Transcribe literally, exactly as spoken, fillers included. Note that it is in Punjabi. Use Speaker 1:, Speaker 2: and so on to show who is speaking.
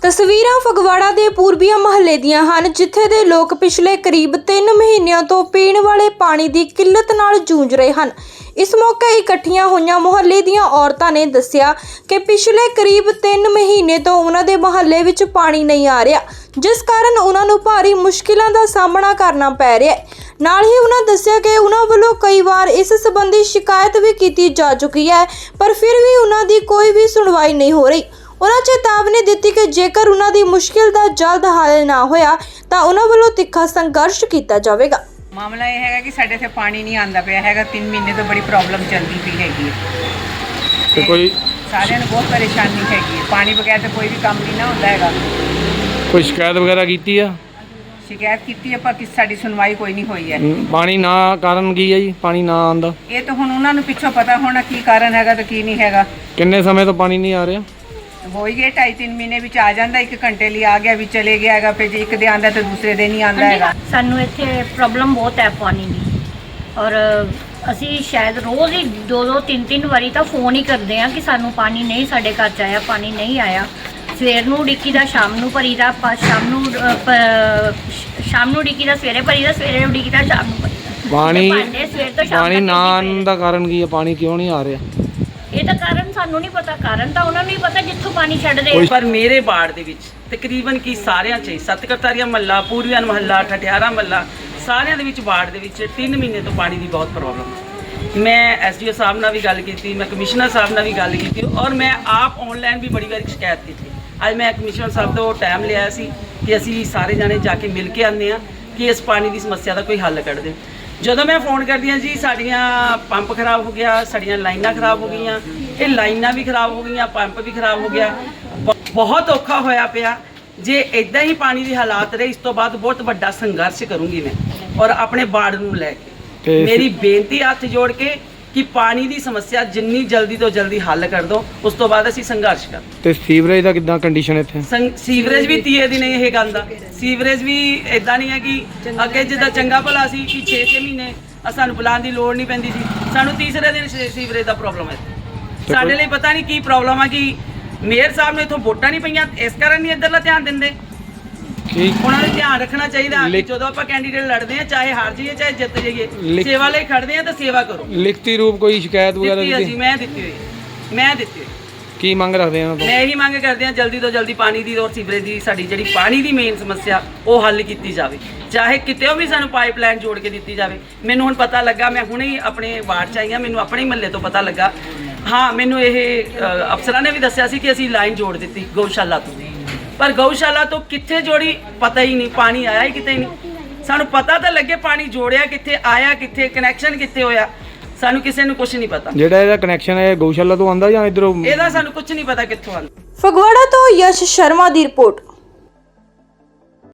Speaker 1: ਤਸਵੀਰਾਂ ਫਗਵਾੜਾ ਦੇ ਪੂਰਬੀਆ ਮਹੱਲੇ ਦੀਆਂ ਹਨ, ਜਿੱਥੇ ਦੇ ਲੋਕ ਪਿਛਲੇ ਕਰੀਬ ਤਿੰਨ ਮਹੀਨਿਆਂ ਤੋਂ ਪੀਣ ਵਾਲੇ ਪਾਣੀ ਦੀ ਕਿੱਲਤ ਨਾਲ ਜੂਝ ਰਹੇ ਹਨ। ਇਸ ਮੌਕੇ ਇਕੱਠੀਆਂ ਹੋਈਆਂ ਮੁਹੱਲੇ ਦੀਆਂ ਔਰਤਾਂ ਨੇ ਦੱਸਿਆ ਕਿ ਪਿਛਲੇ ਕਰੀਬ ਤਿੰਨ ਮਹੀਨੇ ਤੋਂ ਉਹਨਾਂ ਦੇ ਮੁਹੱਲੇ ਵਿੱਚ ਪਾਣੀ ਨਹੀਂ ਆ ਰਿਹਾ, ਜਿਸ ਕਾਰਨ ਉਹਨਾਂ ਨੂੰ ਭਾਰੀ ਮੁਸ਼ਕਿਲਾਂ ਦਾ ਸਾਹਮਣਾ ਕਰਨਾ ਪੈ ਰਿਹਾ ਹੈ। ਨਾਲ ਹੀ ਉਹਨਾਂ ਦੱਸਿਆ ਕਿ ਉਹਨਾਂ ਵੱਲੋਂ ਕਈ ਵਾਰ ਇਸ ਸੰਬੰਧੀ ਸ਼ਿਕਾਇਤ ਵੀ ਕੀਤੀ ਜਾ ਚੁੱਕੀ ਹੈ, ਪਰ ਫਿਰ ਵੀ ਉਹਨਾਂ ਦੀ ਕੋਈ ਵੀ ਸੁਣਵਾਈ ਨਹੀਂ ਹੋ ਰਹੀ। ਉਹਨਾਂ ਚੇਤਾਵਨੀ ਦਿੱਤੀ ਕਿ ਜੇਕਰ ਉਹਨਾਂ ਦੀ ਮੁਸ਼ਕਿਲ ਦਾ ਜਲਦ ਹੱਲ ਨਾ ਹੋਇਆ ਤਾਂ ਉਹਨਾਂ ਵੱਲੋਂ ਤਿੱਖਾ ਸੰਘਰਸ਼ ਕੀਤਾ ਜਾਵੇਗਾ।
Speaker 2: ਮਾਮਲਾ ਇਹ ਹੈਗਾ ਕਿ ਸਾਡੇ ਇੱਥੇ ਪਾਣੀ ਨਹੀਂ ਆਉਂਦਾ ਪਿਆ ਹੈਗਾ, ਤਿੰਨ ਮਹੀਨੇ ਤੋਂ ਬੜੀ ਪ੍ਰੋਬਲਮ ਚੱਲਦੀ ਪਈ ਹੈਗੀ ਹੈ
Speaker 3: ਤੇ ਕੋਈ
Speaker 2: ਸਾਰਿਆਂ ਨੂੰ ਬਹੁਤ ਪਰੇਸ਼ਾਨੀ ਹੈਗੀ ਹੈ। ਪਾਣੀ ਬਗੈਰ ਤਾਂ ਕੋਈ ਵੀ ਕੰਮ ਨਹੀਂ ਨਾ ਹੁੰਦਾ ਹੈਗਾ।
Speaker 3: ਕੋਈ ਸ਼ਿਕਾਇਤ ਵਗੈਰਾ ਕੀਤੀ ਆ?
Speaker 2: ਸ਼ਿਕਾਇਤ ਕੀਤੀ ਹੈ ਪਰ ਕਿਸ ਸਾਡੀ ਸੁਣਵਾਈ ਕੋਈ ਨਹੀਂ ਹੋਈ ਹੈ।
Speaker 3: ਹਮ, ਪਾਣੀ ਨਾ ਕਾਰਨ ਕੀ ਹੈ ਜੀ? ਪਾਣੀ ਨਾ ਆਉਂਦਾ
Speaker 2: ਇਹ ਤਾਂ ਹੁਣ ਉਹਨਾਂ ਨੂੰ ਪਿੱਛੋਂ ਪਤਾ ਹੋਣਾ ਕੀ ਕਾਰਨ ਹੈਗਾ ਤੇ ਕੀ ਨਹੀਂ ਹੈਗਾ।
Speaker 3: ਕਿੰਨੇ ਸਮੇਂ ਤੋਂ ਪਾਣੀ ਨਹੀਂ ਆ ਰਿਹਾ?
Speaker 2: ਹੋ ਹੀ ਗਏ ਢਾਈ ਤਿੰਨ ਮਹੀਨੇ ਵਿੱਚ ਆ ਜਾਂਦਾ, ਇੱਕ ਘੰਟੇ ਲਈ ਆ ਗਿਆ ਵੀ ਚਲੇ ਗਿਆ ਹੈਗਾ, ਫਿਰ ਜੇ ਇੱਕ ਦੇ ਆਉਂਦਾ ਤੇ ਦੂਸਰੇ ਦੇ ਨਹੀਂ ਆਉਂਦਾ ਹੈਗਾ।
Speaker 4: ਸਾਨੂੰ ਇੱਥੇ ਪ੍ਰੋਬਲਮ ਬਹੁਤ ਹੈ ਪਾਣੀ ਦੀ, ਔਰ ਅਸੀਂ ਸ਼ਾਇਦ ਰੋਜ਼ ਹੀ ਦੋ ਦੋ ਤਿੰਨ ਤਿੰਨ ਵਾਰੀ ਤਾਂ ਫੋਨ ਹੀ ਕਰਦੇ ਆ ਕਿ ਸਾਨੂੰ ਪਾਣੀ ਨਹੀਂ, ਸਾਡੇ ਘਰ 'ਚ ਆਇਆ ਪਾਣੀ ਨਹੀਂ ਆਇਆ। ਸਵੇਰ ਨੂੰ ਉਡੀਕੀ ਦਾ, ਸ਼ਾਮ ਨੂੰ ਭਰੀ ਦਾ, ਸ਼ਾਮ ਨੂੰ ਅ, ਪ- ਸ਼ਾਮ ਨੂੰ ਉਡੀਕੀ ਦਾ, ਸਵੇਰੇ ਭਰੀ ਦਾ, ਸਵੇਰੇ ਉਡੀਕੀ ਦਾ, ਸ਼ਾਮ ਨੂੰ ਭਰੀ ਦਾ।
Speaker 3: ਪਾਣੀ
Speaker 4: ਭਾਂਡੇ ਸਵੇਰ ਤੋਂ ਸ਼ਾਮ
Speaker 3: ਪਾਣੀ
Speaker 4: ਤੱਕ
Speaker 3: ਨਾ
Speaker 4: ਇੰਨੇ
Speaker 3: ਆਉਣ
Speaker 4: ਪਏ।
Speaker 3: ਦਾ ਕਾਰਨ ਕੀ ਹੈ? ਪਾਣੀ ਕਿਉਂ ਨਹੀਂ ਆ ਰਿਹਾ?
Speaker 4: ਇਹ ਤਾਂ ਕਾਰਨ ਸਾਨੂੰ ਨਹੀਂ ਪਤਾ, ਕਾਰਨ ਤਾਂ ਉਹਨਾਂ ਨੂੰ ਹੀ ਪਤਾ ਜਿੱਥੋਂ ਪਾਣੀ ਛੱਡਦੇ ਆ।
Speaker 5: ਪਰ ਮੇਰੇ ਵਾਰਡ ਦੇ ਵਿੱਚ ਤਕਰੀਬਨ ਕੀ ਸਾਰਿਆਂ 'ਚ ਹੀ ਸਤਕਰਤਾਰੀਆ ਮਹੱਲਾ, ਪੂਰਬੀਆ ਮਹੱਲਾ, ਠਠਿਆਰਾ ਮਹੱਲਾ, ਸਾਰਿਆਂ ਦੇ ਵਿੱਚ ਵਾਰਡ ਦੇ ਵਿੱਚ ਤਿੰਨ ਮਹੀਨੇ ਤੋਂ ਪਾਣੀ ਦੀ ਬਹੁਤ ਪ੍ਰੋਬਲਮ ਹੈ। ਮੈਂ ਐਸਡੀਓ ਸਾਹਿਬ ਨਾਲ ਵੀ ਗੱਲ ਕੀਤੀ, ਮੈਂ ਕਮਿਸ਼ਨਰ ਸਾਹਿਬ ਨਾਲ ਵੀ ਗੱਲ ਕੀਤੀ ਔਰ ਮੈਂ ਆਪ ਆਨਲਾਈਨ ਵੀ ਬੜੀ ਵਾਰੀ ਸ਼ਿਕਾਇਤ ਕੀਤੀ। ਅੱਜ ਮੈਂ ਕਮਿਸ਼ਨਰ ਸਾਹਿਬ ਤੋਂ ਟਾਈਮ ਲਿਆ ਸੀ ਕਿ ਅਸੀਂ ਸਾਰੇ ਜਾਣੇ ਜਾ ਕੇ ਮਿਲ ਕੇ ਆਉਂਦੇ ਹਾਂ ਕਿ ਇਸ ਪਾਣੀ ਦੀ ਸਮੱਸਿਆ ਦਾ ਕੋਈ ਹੱਲ ਕੱਢ ਦੇ। ਜਦੋਂ ਮੈਂ ਫੋਨ ਕਰਦੀ ਹਾਂ ਜੀ ਸਾਡੀਆਂ ਪੰਪ ਖਰਾਬ ਹੋ ਗਿਆ, ਸਾਡੀਆਂ ਲਾਈਨਾਂ ਖਰਾਬ ਹੋ ਗਈਆਂ, ਇਹ ਲਾਈਨਾਂ ਵੀ ਖਰਾਬ ਹੋ ਗਈਆਂ, ਪੰਪ ਵੀ ਖਰਾਬ ਹੋ ਗਿਆ, ਬ- ਬਹੁਤ ਔਖਾ ਹੋਇਆ ਪਿਆ। ਜੇ ਇਦਾਂ ਹੀ ਪਾਣੀ ਦੀ ਹਾਲਾਤ ਰਹੇ, ਇਸ ਤੋਂ ਬਾਅਦ ਬਹੁਤ ਵੱਡਾ ਸੰਘਰਸ਼ ਕਰੂੰਗੀ ਮੈਂ ਔਰ ਆਪਣੇ ਵਾਰਡ ਨੂੰ ਲੈ ਕੇ।
Speaker 3: ਤੇ
Speaker 5: ਮੇਰੀ ਬੇਨਤੀ ਹੱਥ ਜੋੜ ਕੇ ਕਿ ਪਾਣੀ ਦੀ ਸਮੱਸਿਆ ਜਿੰਨੀ ਜਲਦੀ ਤੋਂ ਜਲਦੀ ਹੱਲ ਕਰ ਦਿਓ, ਉਸ ਤੋਂ ਬਾਅਦ ਅਸੀਂ ਸੰਘਰਸ਼ ਕਰ।
Speaker 3: ਤੇ ਸੀਵਰੇਜ ਦਾ ਕਿੱਦਾਂ ਕੰਡੀਸ਼ਨ ਇੱਥੇ?
Speaker 5: ਸੰਗ- ਸੀਵਰੇਜ ਵੀ ਤੀਏ ਦੀ ਨਹੀਂ ਇਹ ਗੱਲ ਦਾ। ਸੀਵਰੇਜ ਵੀ ਇਦਾਂ ਨਹੀਂ ਹੈ ਕਿ ਅੱਗੇ ਜਿੱਦਾਂ ਚੰਗਾ ਭਲਾ ਸੀ ਕਿ ਛੇ ਛੇ ਮਹੀਨੇ ਸਾਨੂੰ ਬੁਲਾਉਣ ਦੀ ਲੋੜ ਨਹੀਂ ਪੈਂਦੀ ਸੀ, ਸਾਨੂੰ ਤੀਸਰੇ ਦਿਨ ਸੀ- ਸੀਵਰੇਜ ਦਾ ਪ੍ਰੋਬਲਮ ਹੈ। ਸਾਡੇ ਲਈ ਪਤਾ ਨਹੀਂ ਕੀ ਪ੍ਰੋਬਲਮ ਆ ਕਿ ਮੇਅਰ ਸਾਹਿਬ ਨੂੰ ਇੱਥੋਂ ਵੋਟਾਂ ਨਹੀਂ ਪਈਆਂ, ਇਸ ਕਾਰਨ ਨਹੀਂ ਇੱਧਰਲਾ ਧਿਆਨ ਦਿੰਦੇ।
Speaker 3: ਠੀਕ
Speaker 5: ਉਹਨਾਂ ਨੂੰ ਧਿਆਨ ਰੱਖਣਾ ਚਾਹੀਦਾ ਕਿ
Speaker 3: ਲਿਖ-
Speaker 5: ਜਦੋਂ ਆਪਾਂ ਕੈਂਡੀਡੇਟ ਲੜਦੇ ਆ, ਚਾਹੇ ਹਾਰ ਜਾਈਏ ਚਾਹੇ ਜਿੱਤ ਜਾਈਏ,
Speaker 3: ਲਿਖ-
Speaker 5: ਸੇਵਾ ਲਈ ਖੜਦੇ ਆ ਤਾਂ ਸੇਵਾ ਕਰੋ।
Speaker 3: ਲਿਖਤੀ ਰੂਪ ਕੋਈ ਸ਼ਿਕਾਇਤ ਵਗੈਰਾ
Speaker 5: ਦਿੱਤੀ
Speaker 3: ਦਿੱਤੀ?
Speaker 5: ਅਸੀਂ ਮੈਂ ਦਿੱਤੀ ਹੋਈ ਮੈਂ ਦਿੱਤੀ ਹੋਈ
Speaker 3: ਕੀ ਮੰਗ ਰੱਖਦੇ ਆ?
Speaker 5: ਮੈਂ ਇਹੀ ਮੰਗ ਕਰਦੇ ਹਾਂ ਜਲਦੀ ਤੋਂ ਜਲਦੀ ਪਾਣੀ ਦੀ ਔਰ ਸੀਵਰੇਜ ਦੀ, ਸਾਡੀ ਜਿਹੜੀ ਪਾਣੀ ਦੀ ਮੇਨ ਸਮੱਸਿਆ ਉਹ ਹੱਲ ਕੀਤੀ ਜਾਵੇ, ਚਾਹੇ ਕਿਤੇ ਵੀ ਸਾਨੂੰ ਪਾਈਪਲਾਈਨ ਜੋੜ ਕੇ ਦਿੱਤੀ ਜਾਵੇ। ਮੈਨੂੰ ਹੁਣ ਪਤਾ ਲੱਗਾ, ਮੈਂ ਹੁਣੇ ਹੀ ਆਪਣੇ ਵਾਰਡ 'ਚ ਆਈ ਹਾਂ, ਮੈਨੂੰ ਆਪਣੇ ਹੀ ਮਹੱਲੇ ਤੋਂ ਪਤਾ ਲੱਗਾ। ਹਾਂ, ਮੈਨੂੰ ਇਹ ਅ, ਅਫਸਰਾਂ ਨੇ ਵੀ ਦੱਸਿਆ ਸੀ ਕਿ ਅਸੀਂ ਲਾਈਨ ਜੋੜ ਦਿੱਤੀ ਗਊਸ਼ਾਲਾ ਤੋਂ, ਪਰ ਗਊਸ਼ਾਲਾ ਤੋਂ ਕਿੱਥੇ ਜੋੜੀ ਪਤਾ ਹੀ ਨਹੀਂ, ਪਾਣੀ ਆਇਆ ਹੀ ਕਿਤੇ ਨਹੀਂ। ਸਾਨੂੰ ਪਤਾ ਤਾਂ ਲੱਗੇ ਪਾਣੀ ਜੋੜਿਆ ਕਿੱਥੇ, ਆਇਆ ਕਿੱਥੇ, ਕਨੈਕਸ਼ਨ ਕਿੱਥੇ ਹੋਇਆ, ਸਾਨੂੰ ਕਿਸੇ ਨੂੰ ਕੁਝ ਨਹੀਂ ਪਤਾ।
Speaker 3: ਜਿਹੜਾ ਇਹਦਾ ਕਨੈਕਸ਼ਨ ਹੈ ਗਊਸ਼ਾਲਾ ਤੋਂ ਆਉਂਦਾ ਜਾਂ ਇਧਰੋਂ?
Speaker 5: ਇਹਦਾ ਸਾਨੂੰ ਕੁਝ ਨਹੀਂ ਪਤਾ ਕਿੱਥੋਂ ਆਉਂਦਾ।
Speaker 1: ਫਗਵਾੜਾ ਤੋਂ ਯਸ਼ ਸ਼ਰਮਾ ਦੀ ਰਿਪੋਰਟ।